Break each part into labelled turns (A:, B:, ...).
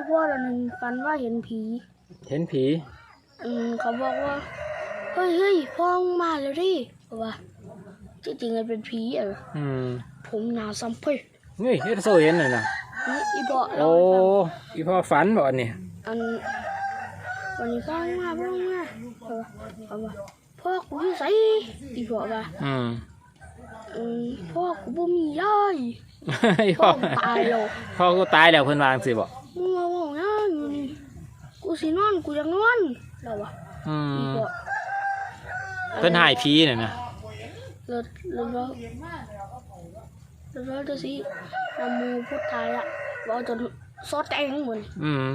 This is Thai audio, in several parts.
A: พ่อเราหนึ่งฝันว่าเห็นผี
B: เห็นผี
A: เขาบอกว่าเฮ้ยพ่อมาแล้วดิบอกว่าที่จริงมันเป็นผีผมหนาซ้ำเพ่ย
B: เฮ้ยเอสโซเห็นเลยนะ
A: อีบอก
B: โอ้อีพ่อฝันบ่เนี่ย
A: วันนี้พ่อมาบอกว่าพ่อกูอยู่ไสอีบอกว่าพ่อกูบ่มียายพ่อตายแล้ว
B: พ่อกูตายแล้วเพิ่นวางสิบ่
A: มึงมาบอกนะอยู่นี่กูสินอนกูอยากนอนแล้ววะ
B: เพิ่นหายผีเนี่ยนะ
A: แล้วจะสินำมูพูดไทยอ่ะว่าจนซอสแดงเหมือน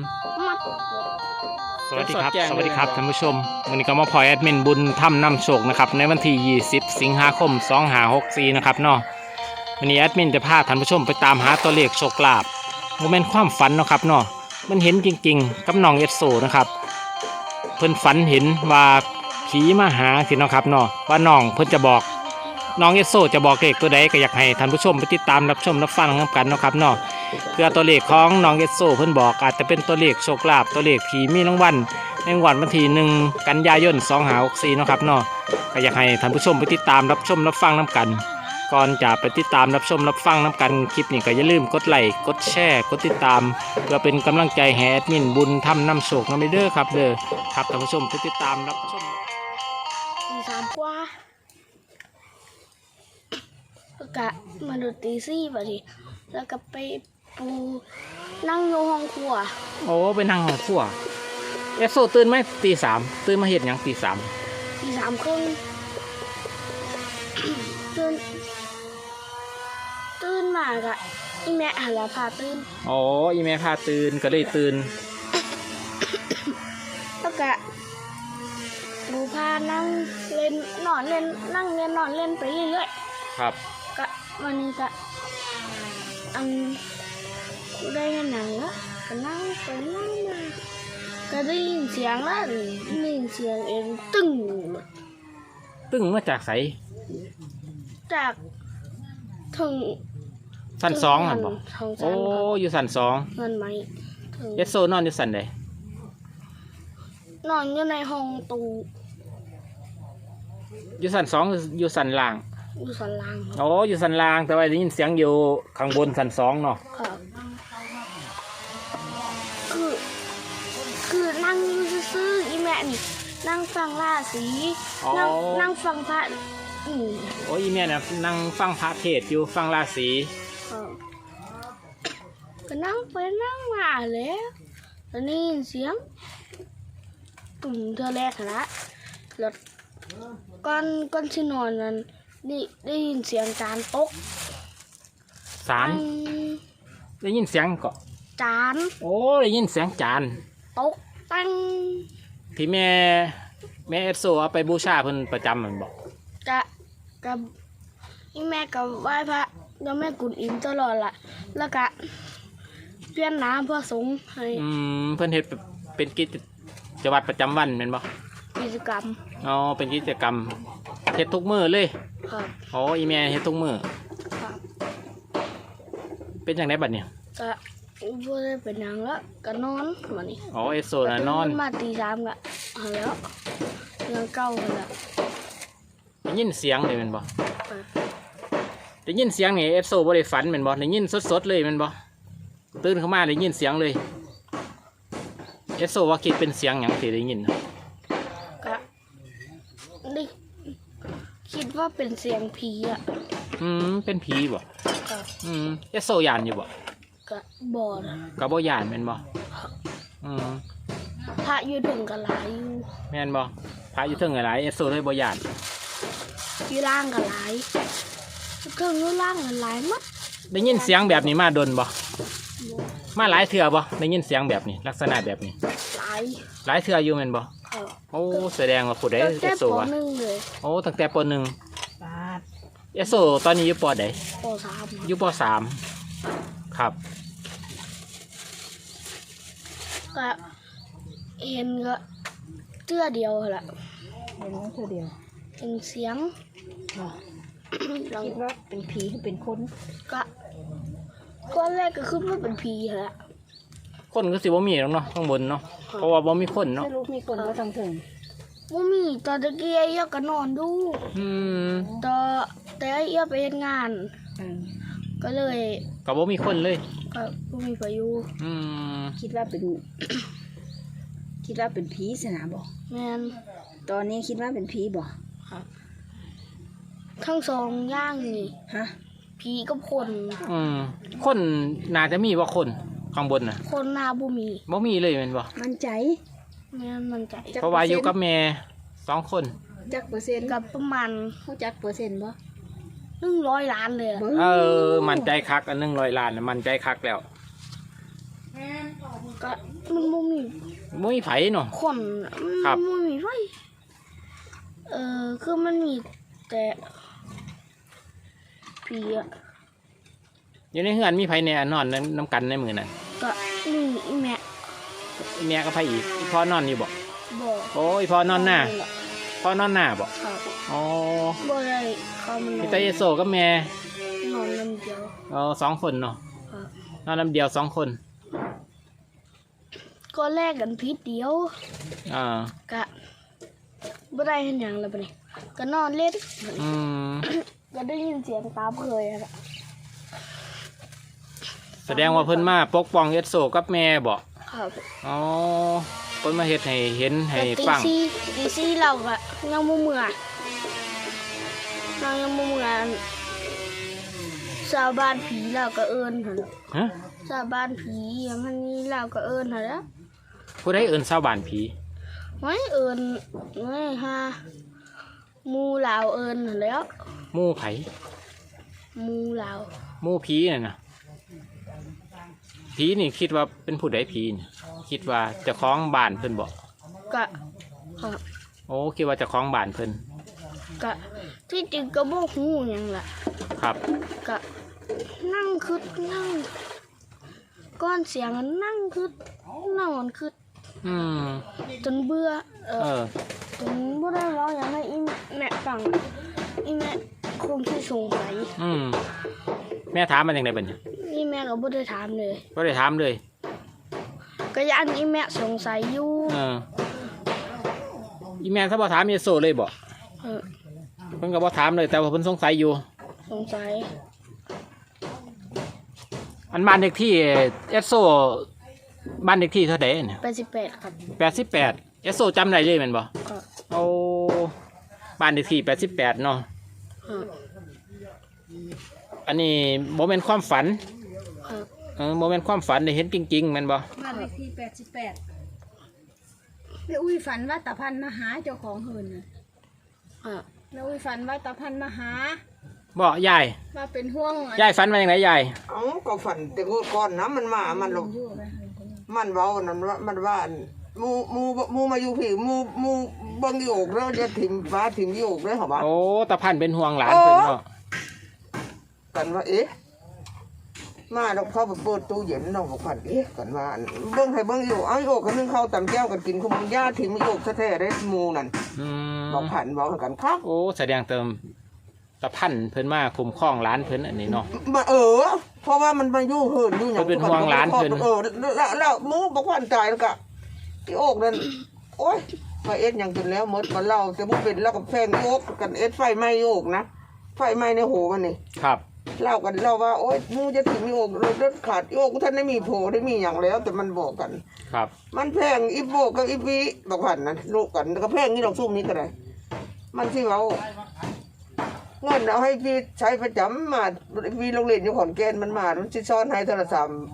B: สวัสดีครับท่านผู้ชมวันนี้ก็มาพอยแอดมินบุญถ้ำนำโชคนะครับในวันที่20สิงหาคม2564นะครับเนาะวันนี้แอดมินจะพาท่านผู้ชมไปตามหาตัวเลขโชคลาภโมเมนต์ความฝันเนาะครับเนาะมันเห็นจริงๆกับน้องเอสโซนะครับเพิ่นฝันเห็นว่าผีมาหาสิเนาะครับเนาะว่าน้องเพิ่นจะบอกน้องเอสโซจะบอกเลขตัวใดก็อยากให้ท่านผู้ชมไปติดตามรับชมรับฟังกันเนาะครับเนาะเพื่อตัวเลขของน้องเอสโซเพิ่นบอกอาจจะเป็นตัวเลขโชคลาภตัวเลขผีมีรางวัลในวันที่1กันยายน2564เนาะครับเนาะก็อยากให้ท่านผู้ชมไปติดตามรับชมรับฟังกันก่อนจะไปติดตามรับชมรับฟังกันคลิปนี้ก็อย่าลืมกดไลค์กดแชร์กดติดตามเพื่อเป็นกำลังใจให้แอดมินบุญทำนำโชคนะเด้อครับครับท่านผู้ชมไปติดตามรับชม
A: ตี3 กว่าแล้วก็มาดูตี 4บัดนี้แล้วก็ไปปูนั่งอยู่ห้องครัว
B: โอ้ไปนั่งห้องครัวเอสโซตื่นไหมตี 3ตื่นมาเฮ็ดหยังตี 3
A: ตี 3 ครึ่งตื่นมากะอีแม่หันละพาตื่น
B: อ๋ออีแม่พาตื่นก็เลยตื่น
A: แล้วก็ดูพานั่งเล่นนอนเล่นนั่งเล่นนอนเล่นไปเรื่อย
B: ๆครับ
A: ก็วันนี้ก็ได้หนังแล้วก็นั่งไปนั่งมาก็ได้ยินเสียงแล้วได้ยินเสียงเองตึ้ง
B: มาจากไส
A: จากถึง
B: ชั้น2หั่นบ่โอ้อยู่ชั้น2
A: นั่นไหม
B: เอสโซนอนอยู่ชั้นใด
A: นอนอยู่ในห้องตู้
B: อยู่ชั้น2อยู่ชั้นล่าง
A: อยู่ชั้นล่าง
B: โอ้อยู่ชั้นล่างแต่ว่าได้ยินเสียงอยู่ข้างบนชั้น2เนาะ
A: ครับคือนั่งซื่ออีแม่นี่นั่งฟังราศีนั่งฟังพระ
B: โอ้ยแม่น่ะนั่งฟังพระเทศอยู่ฟังราศี
A: ก็นั่งไปนั่งมาแล้วตอนนี้เสียงเธอแรกนะแล้วก้อนที่นอนนั้นนี่ได้ยินเสียงจานตก
B: จานได้ยินเสียงก็
A: จาน
B: โอ้ได้ยินเสียงจาน
A: ตกตั้ง
B: ที่แม่เอฟโซเอาไปบูชาเพิ่นประจำมันบอก
A: กับแม่กับไหว้พระแล้วแม่กุนอิมตลอดละแล้วก็เพื่อนน้ำเพื่อสงให้
B: เพิ่นเฮ็ดเป็นกิจวัตรประจำวันแม่นบ่
A: กิจกรรม
B: อ๋อเป็นกิจกรรมเฮ็ดทุกมื้อเลย
A: ครับ
B: อ๋ออีแม่เฮ็ดทุกมื้อ
A: ครับ
B: เป็นจังได๋บัดเนี่ย
A: ก็บ่ได้เป็นหยังแล้วก็นอนบัดนี้
B: อ๋อเอสโซน่ะนอน
A: มาตี 3ก็แล้วเรื่องเก่าแล้ว
B: ได้ยินเสียงเลยแม่นบ่ได้ยินเสียงนี่เอฟโซบ่ได้ฝันแม่นบ่ได้ยินสดๆเลยแม่นบ่ตื่นขึ้นมาได้ยินเสียงเลยเอฟโซว่าคิดเป็นเสียงหยังที่ได้ยิน
A: ก็ได้คิดว่าเป็นเสียงผีอ่ะ
B: เป็นผีบ่เอฟโซย่านอยู่บ่
A: ก็บ่
B: ก็บ่ย่านแม่นบ่
A: พระอยู่ถึงก็หลายอยู่
B: แม่นบ่พระอยู่ถึงก็หลายเอฟโซเลยบ่ย่าน
A: อยู่ล่างก็หลายเครื่องอยู่ล่างก็หลายมัด
B: ได้ยินเสียงแบบนี้มาดนบ่มาหลายเทื่อบ่ได้ยินเสียงแบบนี้ลักษณะแบบนี้หลายเทื่ออยู่แม่นบ่โอ้แสดงว่าผู้ใดเอสโซวะโอ้ตั้งแต่ป.1เอสโซตอนนี้อยู่ป.ใด
A: ป.3
B: อยู่ป.3ครับ
A: ก็เห็นก็เทื่อเดียวแหละ
C: เห็นเทื่อเดียว
A: เห็นเสียง
C: คิดว่าเป็นผีหรือเป็นคน
A: ก็แรกก็คิดว่าเป็นผีแหละ
B: คนก็สิบ่มีหรอกเนาะข้างบนเนาะเพราะว่าบ่มีคนเนาะ
C: ไม่รู้มีคนก็ทางถึง
A: บ่มีตอนตะกี้ไอ้เอี้ยก็นอนดู
B: อืม
A: แต่ไอ้เอี้ยไปเฮ็ดงาน ก็เลย
B: ก็บ่มีคนเลย
A: ก็บ่มีไปอยู่
B: อืม
C: คิดว่าเป็น คิดว่าเป็นผีสนะบ่
A: แม่น
C: ตอนนี้คิดว่าเป็นผีบ่
A: ทั้งสองอย่างนี่
C: ฮะ
A: ผีกับคน
B: อืมคนน่าจะมีว่าคนข้างบนน่ะ
A: คนหน้าบ่มี
B: บ่มีเลยแม่นบ่
C: มั่นใจ
A: แม่นมันใจ
B: เพราะว่าอยู่กับแม่2คน
C: จักเปอร์เซ็นต์
A: กับประมาณ
C: เขาจักเปอร์เซ็นต์บ่
A: 100 ล้านเลยอะ
C: เบิ่ง
B: มั่นใจคักอัน100 ล้านน่ะมั่นใจคักแล้ว
A: ก็มันบ่มี
B: บ่มีไผเนาะ
A: คน
B: ครับ
A: มันบ่มีไฟคือมันมีแต่ผีอะ
B: อยู่ในเฮือนมีไผแน่นอนนํกันในมื้อนั้น
A: ก็มีอีแม่
B: แม่ก็ไผอีกอีพ่อนอนอยู่บ่
A: บ่
B: โอ้ยพ่อนอนหน้าพ่อนอนหน้าบ่
A: ครับ
B: อ๋อ
A: บ่ได้เขามันน
B: มี
A: อน
B: แต่เยโซกับแม่
A: นอนลำเดียว
B: 2 คนเนาะ
A: ครับ
B: นอนลำเดียว2 คน
A: ก็แลกกันพิษเดียว
B: อ่า
A: ก็บ่ได้เห็นหยังแล้วบัดนี้ก็นอนเล่น
B: อืม
A: ก็ได้ยินเสียงตามเคยอะ
B: แสดงว่าเพิ่นมาปกป้องเยโซกับแม่บ่
A: ครับ
B: อ๋อเพิ่นมาเฮ็ดให้เห็นให้
A: แต่
B: ฟัง
A: ตีซี่เราก็ยังบ่เมื่อยเรายังบ่เมื่อยชาวบ้านผีเราก็เอิ้นหั่น
B: ฮะ
A: ชาวบ้านผีมันนี่เราก็เอิ้นหั่นแหล้ว
B: ผู้ใดเอิ้นชาวบ้านผี
A: ไว้เอิญไว้ฮะหมูลาวเอิญหั่นแหล้ว
B: หมู่ไผ
A: หมูลาว
B: หมู่ผีน่ะนะผีนี่คิดว่าเป็นผู้ใดผีนี่คิดว่าเจ้าของบ้านเพิ่นบ่
A: ก็ครับ
B: โอ้คิดว่าเจ้าของบ้านเพิ่น
A: ก็ที่จริงก็บ่ฮู้หยังล่ะ
B: ครับ
A: ก็นั่งคิดนั่งก้อนเสียงอะนั่งคิดนอนคิด
B: อืม
A: จนเบื่อ
B: เออ
A: จนบ่ได้ร้องหยังให้อีแม่ฟังอีแม่คงสิสงสัย
B: อืมแม่ถามมาจังได๋บัดนี้
A: อีแม่ก็บ่ได้ถามเลย
B: บ่ได้ถามเลย
A: ก็ยันอีแม่สงสัยอยู่
B: เอออีแม่ถ้าบ่ถามเยโซเลยบ่
A: เออ
B: เพิ่นก็บ่ถามเลยแต่ว่าเพิ่นสงสัยอยู่
A: สงสัย
B: อันบ้านเลขที่เอสโซบ้านเลขที่เท่าใดเนี่ย
A: 88ครับ
B: 88เอสโซจำได้เลยแม่นบ่
A: ก็
B: เอาบ้านเลขที่88เนาะ
A: ครับ
B: อันนี้บ่แม่นความฝัน
A: ครับ
B: บ่แม่นความฝันได้เห็นจริงๆแม่นบ่
C: บ้านเลขที่88แม่อุ้ยฝันว่าตาพันมาหาเจ้าของเฮินน่ะ
A: ครับ
C: แม่อุ้ยฝันว่าตาพันมาหา
B: บ่ยาย
C: ว่าเป็นห่วง
B: ยายฝันว่าจังไดยาย
D: เอ้าก็ฝันแต่ก่อนนะมันมามันหลบ
C: อยู่นะ
D: มันเว้านั่นว่ามันว่าอันหมูมาอยู่พี่หมูเบิ่งอีโอกแล้วจะถิ่มฟ้าถิ่มอีโอกเลยเหรอวะ
B: โอ้ตาพันเป็นห่วงหลานเพิ่นเนาะ
D: กันว่าเอ๊ะมาดอกเข้าไปเปิดตู้เย็นน้องบอกฝันเอ๊ะกันว่าอันเบิ่งให้เบิ่งอีโอกเอาอีโอกกันนึงเข้าตำแก้วกันกินคุมย่าถิ่มอีโอกแท้ๆได้หมูนั่น
B: อืม
D: บอกผันบอกกันครับ
B: โอ้แสดงเติมตาพันเพิ่นมาคุ้มครองหลานเพิ่นอันนี้เนาะ
D: มาเพราะว่ามันมาอยู่เหินอยู่อย่าง
B: มันเป็นห่วงหลานเพิ่น
D: แล้วหมูบอกว่าอันตายแล้วก็อีโอกนั่นโอ๊ยมาเอ็ดอย่างจนแล้วหมดมาเล่าแต่บุเป็นแล้วกับแฟนอีโอกกันเอ็ดไฟไหม้อีโอกนะไฟไหม้ในหูมันนี่
B: ครับ
D: เล่ากันเล่าว่าโอ๊ยหมูจะถึงอีโอกรถขาดอีโอกท่านได้มีโผได้มีอย่างแล้ว แต่มันบอกกัน
B: ครับ
D: มันแพงอีโบกับอีวีบอกผ่านนะลูกกันแล้วก็แพงนี่ดอกซุ่มนี้ก็ได้มันที่เราเงินเอาให้พี่ใช้ประจำมาพี่โรงเรียนอยู่ขอนแก่นมันมามันจะซ้อนให้โทรศัพท์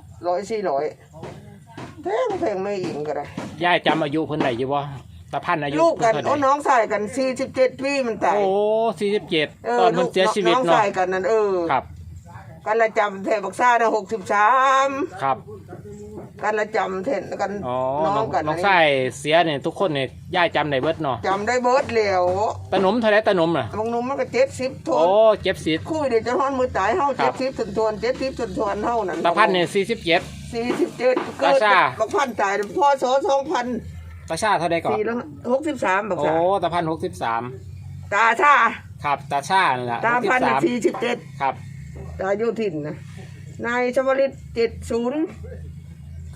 D: 100-400แพงไม่อิงก็ได้
B: ยายจำอายุเพิ่นได้อยู่บ่ตาพันอายุ
D: ลูกกัน
B: เพิ่น
D: โอ้
B: เท่าใด
D: น้องชายกัน47 ปีมันตาย
B: โอ้47ตอนเพิ่นเสียชีวิต
D: น้อง
B: เนาะ
D: ชายกันนั่น
B: ครับ
D: กันละจำแทนบักซ่านะ63
B: ครับ
D: กันละจำแทนกัน
B: อ๋อ
D: น้องกัน
B: น้องชายเสียเนี่ยทุกคนเนี่ยยายจำได้เบิดเนาะ
D: จำได้เบิดแล้ว
B: ตาหนมเท่าไรตาหนมน่ะ
D: บางหนุ่มมันก็70ท
B: โอ้
D: น
B: เจ็บสิท
D: คุยเดี๋ยวจะฮ้อนมือตายเฮา
B: ครับ
D: 70ทน70ทนเฮานั่น
B: ตาพันเนี่ย47
D: 47เกิด
B: ตาชา
D: บักพันตายพศ2000
B: ตาชาเท่าไรก่อน
D: 463บัก
B: โอ้
D: ซ่า
B: ตาพัน63
D: ตาชา
B: ครับตาชานั่นล่ะ
D: ตาพันน่ะ
B: 63
D: 47
B: ครับ
D: ตาโยธินนะนายชวลิต70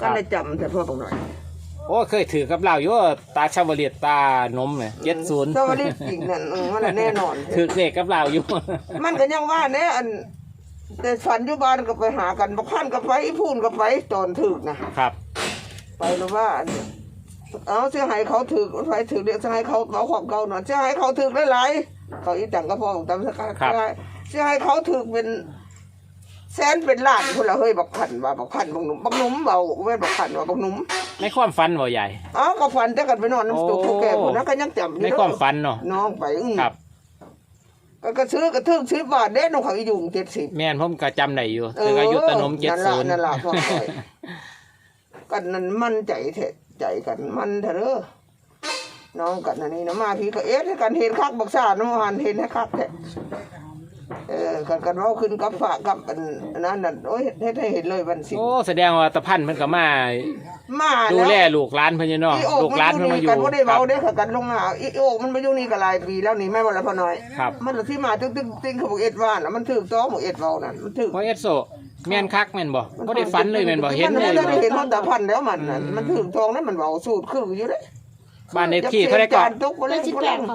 D: ก็ได้จำแต่พ่อบอกหน่อย
B: โอ้เคยถือกับเราอยู่ตาชาวเลียดตานมเนี่ย70
D: ถ้าว่าได้จริงนั่นมันแน่นอน
B: ถือเลขกับเราอยู่
D: มันก็ยังว่าเนี่ยอันแต่ฝันอยู่บ้านก็ไปหากันบักพันก็ไปอีพูนก็ไปตอนถึกนะครับ ไปแล้วว่าอันเอาเสียหายเขาถึกไปถึกเรียกเสียหายเขาเอาความเก่าหน่อยเสียหายเขาถึกได้หลายเขาอีจังก็พอของตำสักการเสียหายเขาถึกเป็นแสนเป็นล้านคนละเฮ้ยบักพันว่าบักพันบักหนุ่มเบาแม่นบักพันว่าบักหนุ่ม
B: ในความฝันบ่ใหญ่
D: อ๋อก็ฝันแต่กันไปนอนน้ำตุกผู้แก่คนนั้นก็ยังจำ
B: ในความฝันเนาะ
D: น้องไป
B: ครับ
D: ก็ซื้อกระทึกซื้อบาทเด้น้องเขาอยู่70
B: แม่นผมก็จำได้อยู่ถืออายุตะนม70
D: นั่นล่ะพ่อคอยกันนั่นมันใจเถอะใจกันมันเถอะเด้อน้องกันอันนี้นะมาพี่ก็เอ๊ะกันเห็นคักบักซ่าน้องหันเห็นให้คักแท้กันเว้าขึ้นกับฝากกับอันนั้นน่ะโอ้ยเฮ็ดให้เห็นเลยวันสิ
B: โอ้แสดงว่าตะพันเพิ่นก็มา
D: มา
B: ดู
D: แล้ว
B: แลลูกหลานเพิ่นอยู่เนาะ
D: อีโอ
B: ลู
D: ก
B: กหลานเพิ่นมาอยู่
D: กันบ่ได้
B: ครั
D: เว้า
B: บ
D: เด้อกันลงมาอีโอกมันมาอยู่นี่ก็หลายปีแล้วนี่แม่บ่ละพ่อน้อย
B: ครับ
D: มันที่มาตึ้งเขาบอกเอ็ดว่าน่ะมันถูกต้องบอกเอ็ดเว้านั่นมันถูก
B: บ่เอสโซแม่นคักแม่นบ่บ่ได้ฝันเลยแม่นบ่เห็นเลย
D: มัน
B: บ่
D: ได้เห็นมันตาพันแล้วมันน่ะมันถูกต้องนั้นมันเว้าสูตรคืออยู่เด้
B: บ้านเลขที่เท่าไหร่ก่อน
D: ตกบ่
A: เล
D: เล่
A: ข
D: น
A: ที่
D: บ่
A: แป
D: เล่
A: ด
D: น
A: ครับ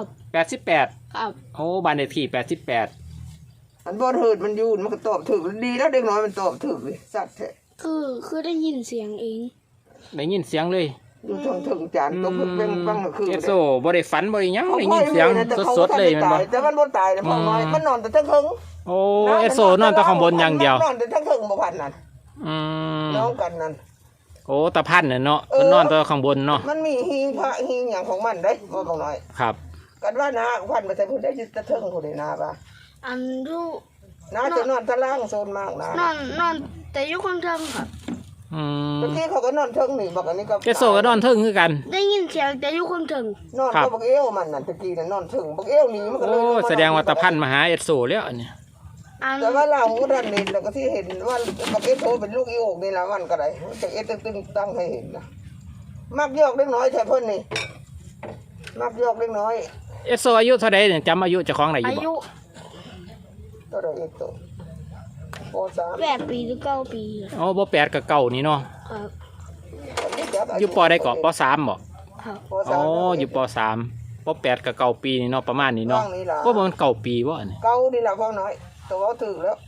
B: 88
A: ครับ
B: โอ้บ้านเลขที่88
D: อันบ่เหิดมันอยู่มันก็ตอบถูกดีแล้วเด็กน้อยมันตอบถูกเลยสัตว์แท้
A: คือได้ยินเสียงเอง
B: ได้ยินเสียงเลย
D: อยู่ทางถึงจานตกเป็นปังก็คือ
B: เอสโซบ่ได้ฝันบ่ได้หยังได้ยินเสียงสดๆเลยแม่นบ่
D: แต่มันบ่ตายนะพ่อน้อยมันนอนแต่ทั้งเฮิง
B: โอ้เอสโซนอนแต่ข้างบนอย่างเดียวน
D: อนแต่ทั้งเฮิงบ่พันนั่น
B: อืม
D: น้องกันนั่น
B: โอ้ตะพันน่ะเนาะเพิ่นนอนแต่ข้างบนเนาะ
D: มันมีหิงพระหิงหยังของมันเด้บ่บอกน้อย
B: ครับ
D: กันว่านาพันไปใส่พุ่นได้จะเทิงพุ่นได้นาป่ะ
A: อันดู
D: นาจะนอนตะล่างโซนมากนะ
A: นอนแต่อยุคอนเทิงครับ
B: อืม
D: บางทีเขาก็นอนเทิงนี่บอกอันนี้ก็
B: เอสโซก็นอนเทิงคือกัน
A: ได้ยินเสียงแต่อยุคอนเทิง
D: นอนก็บักเอวมันนั่นตะกี้น่ะนอนเทิงบักเอวนี่มันก็เล
B: โอ้
D: ย
B: แสดงว่าตะพันมาหาเอสโซแล้วอันเนี้ย
A: อัน
D: แต่ว่าเราก็ดันนี่แล้วก็ที่เห็นว่าบักเอวโตเป็นลูกอีโอกนี่ละมันก็ได้จะเอตึงตั้งให้เห็นนะมักยอกเล็กน้อยใช่เพิ่นนี่มักยอกเล็กน้อย
B: เอสโซอายุเท่าใดเนี่ยจำอายุเจ้าของได้อ
A: อา
B: ยู่บ่
A: ยุ
D: ตัวใดเอโตป.3
A: 8 ปีหรือ9 ปีครับ
B: อ๋อบ่8ก็เก่านี่เนาะ
A: ครับ
B: อยู่ปอได้เกาะป3บ่
A: ครับ
D: ป
B: อ๋อ
D: .3
B: อยู่ป3ป8ก็เก่าปีนี่เนาะประมาณนี้เนาะ
D: ว่างนี่ล่ะ
B: ก็บ่มันเก่าปีบ่อันนี้
D: เก่านี่ล่ะพ่อน้อยตัวเอาถึงแล้ว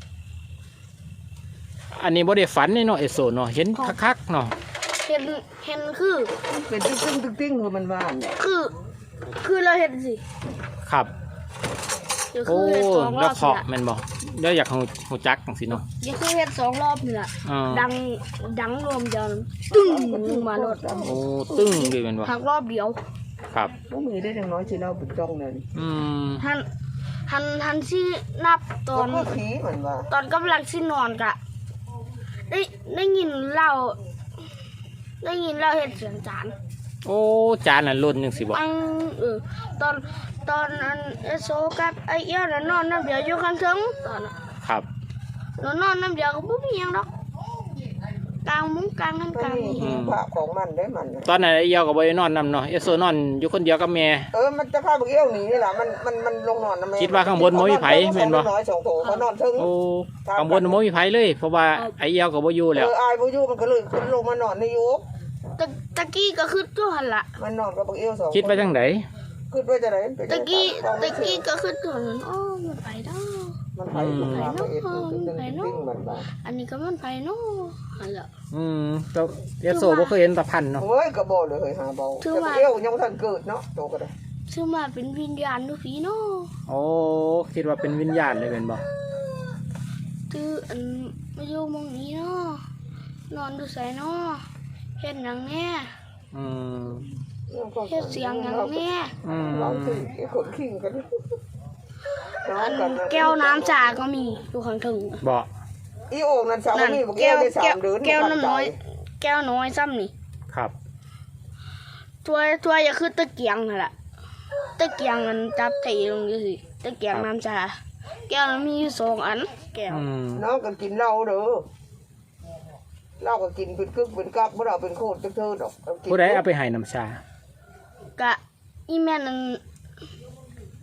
B: อันนี้บ่ได้ฝันนี่เนาะเอสโซเนาะเห็นคักๆเนาะ
A: เห็นคือ
D: เป็นตึ้งคือมันว่านเนี่ย
A: คือเราเห็นสิ
B: ครับ
A: เดี๋ยวคื
B: โอ้
A: อเห็น2 ร
B: แล้
A: อ
B: ว
A: บ
B: เคาะ
A: นี่
B: แม่นบ่เดี๋ยวอยากฮู้จักจังซี่เนาะ
A: เดี๋ยวคือเห็น2 รอบนี่แหละ
B: อ่า
A: ดังรวมเดียวตึ้งลงมารถ
B: โอ้ตึ้งเลยแม่นบ่
A: หักรอบเดียว
B: ครับ
D: บ่มีได้จังน้อยสิเราเป็นจ้องนั่น
B: อืม
A: ทันที่นับตอน
D: ก็ผีเหมือนว่า
A: ตอนกำลังสินอนกะได้ยินเราเห็นเสียงจาน
B: โอ้จานน่ะหล่นจังซี่บ่
A: ปังตอนอันเอสโซกับไอเอี้ยวน่ะนอนน้ำเดียวอยู่ข้างเทิงตอนน่ะ
B: ครับ
A: เรานอนน้ำเดียวก็บ่มีหยังดอกกลางมุ้งกลางกัน
D: ก็
A: กลาง
D: มี
A: นี่
D: พระของมันได้มัน
B: ตอนนั้นไอ้เหี่ยวก็บ่ได้นอนนำเนาะเอสโซนอนอยู่คนเดียวกับแม่
D: มันจะพาบักเอี้ยวหนีนี่ล่ะมันลงนอนนะแม่
B: คิดว่าข้างบนบ่มีไผแม่นบ่
D: น้อย2โถเขานอนถึง
B: โอ้ข้างบนบ่มีไผเลย เพราะว่าไอ้เหี่ยวก็บ่อยู่แล้ว
D: อายบ่อยู่มันก็เลยขึ้นลงมานอนในยุก
A: ตะกี้ก็คือตัวหันละ
D: มันนอนกับบักเอี้ยว2
B: คิดว่าจังได
D: คิดว่าจะได้
A: ตะกี้ก็คือตัวนั้นอ้อมันไปเนาะ
D: มันไปอยู่ข้างเอ็ดตึ้งมันบ้า
A: อันนี้ก็มันไปเนาะหันละ
B: แต่เอสโซบ่เคยเห็นตะพันเนาะ
D: โอ้ยก็บ่เลยหาเบาแต่บักเอี้ยวยังบ่ทันเกิดเนาะโตก็ได้
A: ชื่อมาเป็นวิญญาณดูผีเนาะ
B: โอ้คิดว่าเป็นวิญญาณเลยแม่นบ่
A: คืออันมาอยู่หมองนี้เนาะนอนดูใส่เนาะเฮ็ดหยังแน่
B: อืม
A: เฮ็ดเสียงหยังแน่
D: เราถึงไอ้คนขิงกัน
A: อันแก้วน้ำชาก็มีอยู่ข้างถึง
B: บ่
D: อีโอ่งนั่นสาว
A: นั่น
D: นี่บอก
A: แก้
D: แก้
A: ว
D: วได้3 เดือน
A: แก้วน้ำน้อย แก้วน้อยซ้ำนี่
B: ครับ
A: ถ้วยอย่าคือตะเกียงนั่นแหละตะเกียงมันจับตีลงอยู่สิตะเกียงน้ำชาแก้วมันมีอยู่2 อันแก้ว
D: น้องก็กินเหล้าเด้อเหล้าก็กินเป็นกึกเป็นกักบ่ได้เอาเป็นโคตรจักเธอดอก
B: ผู้ใดเอาไปให้น้ำชา
A: กะอีแม่นั่น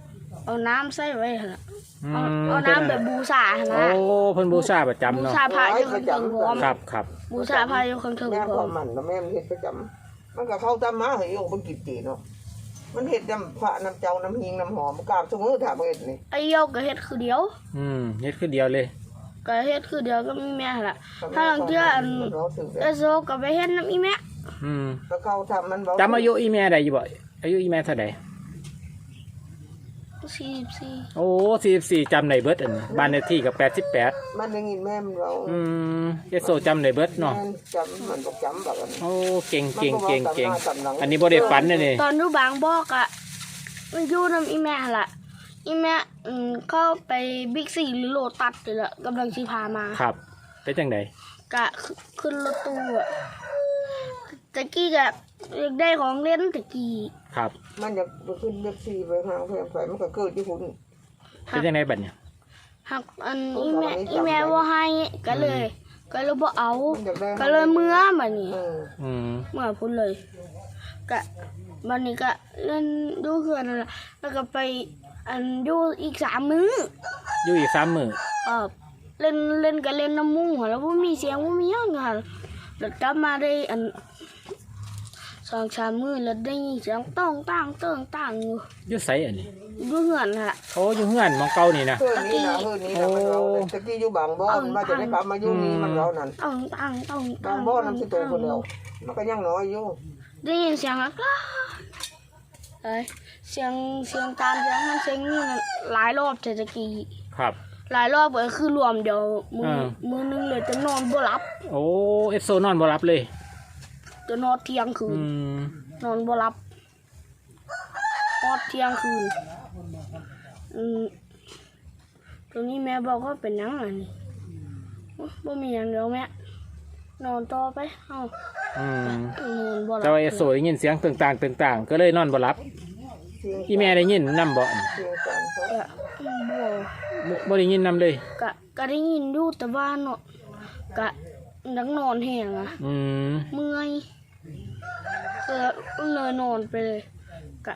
A: เอาน้ำใส่ไว้หั่นล่ะ
B: อื
A: เอาน้ำแบบบูชาหั่น
B: โอ้
A: นะ
B: เพิ่นบูชาประจำ
A: บู
B: เนาะ
A: ชาพระอยู่ข้างเทิงพร้อม
B: ครับครับ
A: บูชาพระอยู่ข้างเทิง
D: แม่
A: พร้
D: พ่
A: อ
D: อ
A: ม
D: มันแล้วแม่มันเฮ็ดประจำมันก็เข้าตามมาให้โยมมันกินตีเนาะมันเฮ็ดน้ำพระน้ำเจ้าน้ำหิงน้ำหอมกราบสมือถามเฮ็ดนี่
A: ไอ้โยกก็เฮ็ดคือเดียว
B: เฮ็ดคือเดียวเลย
A: ก็เฮ็ดคือเดียวก็มีแม่หั่นล่ะถ้าหลังเทื่ออันเอโซก็ไปเฮ็ดน้ำอีแม่
D: แล้วเขาทำมันบอก
B: จำอายุอีแม่ได้อยู่บ่อายุอีแม่เท่าใด
A: 44
B: โอ้44จำได้เบิดอันนี้บ้านเลขที่ก็88
D: มันได้ยินแม่มันเรา
B: เอโซจำได้เบิดเนาะ
D: แม่จำมันบอกจำแบบนั้น
B: โอ้เก่งเก่ง
D: มัน
B: เก่ง
D: บอก
B: เก่ง
D: จำหน้าจำหลัง
B: อันนี้บ่ได้ฝันเลยนี่
A: ตอนอยู่บางบอกอะมันอยู่น้ำอีแม่หั่นล่ะอีแม่เข้าไปบิ๊กซีหรือโลตัสนี่แหละกำลังสิพามา
B: ครับเป็นจังได
A: กะขึ้นรถตู้อะตะกี้กะอยากได้ของเล่นตะกี้
B: ครับ
D: มันอยากไปขึ้นเล็กซี่ไปหางแพงไปมันก็เกิดที่คุณ
B: เป็นจังไดบัดเนี่ย
A: หักอันอีแม่ว่าให้ก็เลยบ่เอา
D: มันอยากได้
A: ก็เลยเมื่อบัดนี้
B: อืม
A: เมื่อพุ่นเลยกะบัดนี้ก็เล่นดูเขื่อนนั่นล่ะแล้วก็ไปอันดูอีก3 มื้อ
B: อยู่อีก3 มื้อ
A: เล่นก็เล่นน้ำมุ้งหัวแล้วบ่มีเสียงบ่มีหยังค่ะแล้วกลับมาได้อัน2-3 มื้อแล้วได้ยินเสียงต้องตั้งอยู่
B: อยู่ไสอันนี้
A: ดูเหือนค่ะ
B: โอ้อยู่เฮือนหมองเก่านี่นะ
D: เพื่อนนี่นะเพื่อนนี่นะมันเราตะกี้อยู่บางบ่อนมาจะได้กลับมาอยู่นี่มันเรานั่น
A: ต้อง
D: บางบ่อนน้ำสิโตคนเดียวมันก็ยังน้อยอยู่
A: ได้ยินเสียงแล้วก็เสียงตามเสียงนั้นเสียงนี่หลายรอบแต่ตะกี้
B: ครับ
A: หลายรอบก็คือรวมเดี๋ยวมือนึงเลยจะนอนบ่หลับ
B: โอ้เอฟโซนอนบ่รับเลย
A: จะนอนเที่ยงคืนนอนบ่หลับนอนเที่ยงคืนตรงนี้แม่บอกว่าเป็นหยังไงนี่บ่มีหยังเดี๋ยวแม่นอนต่อไปนอนบ่หลับ
B: แต่ว่าเอฟโซได้ยินเสียงต่างๆก็เลยนอนบ่รับอีแม่ได้ยินนำบ่
D: เสียงกันเขา
A: บ่
B: ได้ยินนำเลย
A: ก็ได้ยินอยู่แต่ว่าเนาะก็นักนอนแห้งอะเมื่อยก็เลยนอนไปเลยก็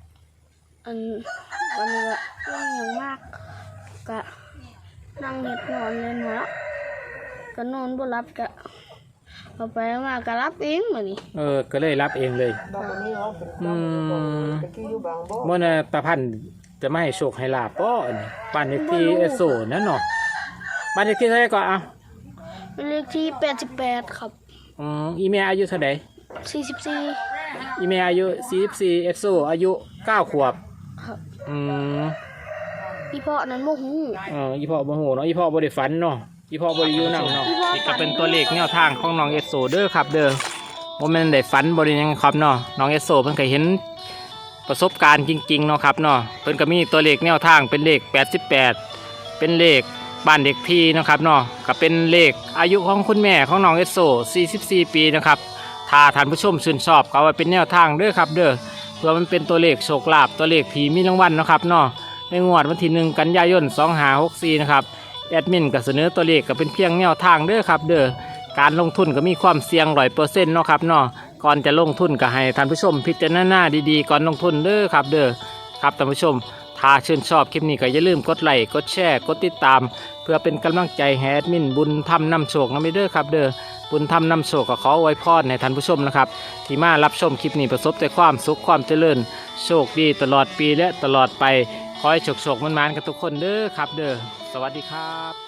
A: วันนี้ก็ยังอย่างมากก็นั่งเห็ดนอนเลยนะก็นอนบ่หลับก็เอาไปมาก็รับเองมื้อนี้
B: ก็เลยรับเองเลย
D: บางวันนี้เราเป็นบ้านตะกี้อยู่บางบ่อน
B: เมื่อน่ะตาพันธุ์จะไม่ให้โชคให้ลาบบ่อันนี้บ้านเลขที่เอฟโซนั่นเนาะบ้านเลขที่เท่าไหร่ก็เอา
A: เป็นเลขที่88ครับ
B: อีแม่อายุเท่าใด
A: 44
B: อีแม่อายุ44เอฟโซอายุ9 ขวบ
A: ครับ
B: อี
A: พ่อนั้นบ่ฮู้
B: อีพ่อบ่ฮู้เนาะอีพ่อบ่ได้ฝันเนาะอีพ่อบ่ได้อยู่นำเนาะนี่ก็เป็นตัวเลขแนวทางของน้องเอสโซเด้อครับเด้อบ่แม่นได้ฝันบ่ได้หยังครับเนาะน้องเอสโซเพิ่นก็เห็นประสบการณ์จริงๆเนาะครับเนาะเพิ่นก็มีตัวเลขแนวทางเป็นเลข88เป็นเลขบ้านเด็กที่เนาะครับเนาะก็เป็นเลขอายุของคุณแม่ของน้องเอสโซ44 ปีนะครับถ้าท่านผู้ชมชื่นชอบก็เอาไว้เป็นแนวทางเด้อครับเด้อเพื่อมันเป็นตัวเลขโชคลาภตัวเลขผีมีรางวัลเนาะครับเนาะในงวดวันที่1 กันยายน 2564นะครับแอดมินก็เสนอตัวเลขก็เป็นเพียงแนวทางเด้อครับเด้อการลงทุนก็มีความเสี่ยง100%เนาะครับเนาะก่อนจะลงทุนก็ให้ท่านผู้ชมพิจารณาดีๆก่อนลงทุนเด้อครับเด้อครับท่านผู้ชมถ้าชื่นชอบคลิปนี้ก็อย่าลืมกดไลค์กดแชร์กดติดตามเพื่อเป็นกำลังใจให้แอดมินบุญธรรมนำโชคนำไปเด้อครับเด้อบุญธรรมนำโชคก็ขออวยพรให้ท่านผู้ชมนะครับที่มารับชมคลิปนี้ประสบแต่ความสุขความเจริญโชคดีตลอดปีและตลอดไปขอให้โชคๆมันๆกันทุกคนเด้อครับเด้อสวัสดีครับ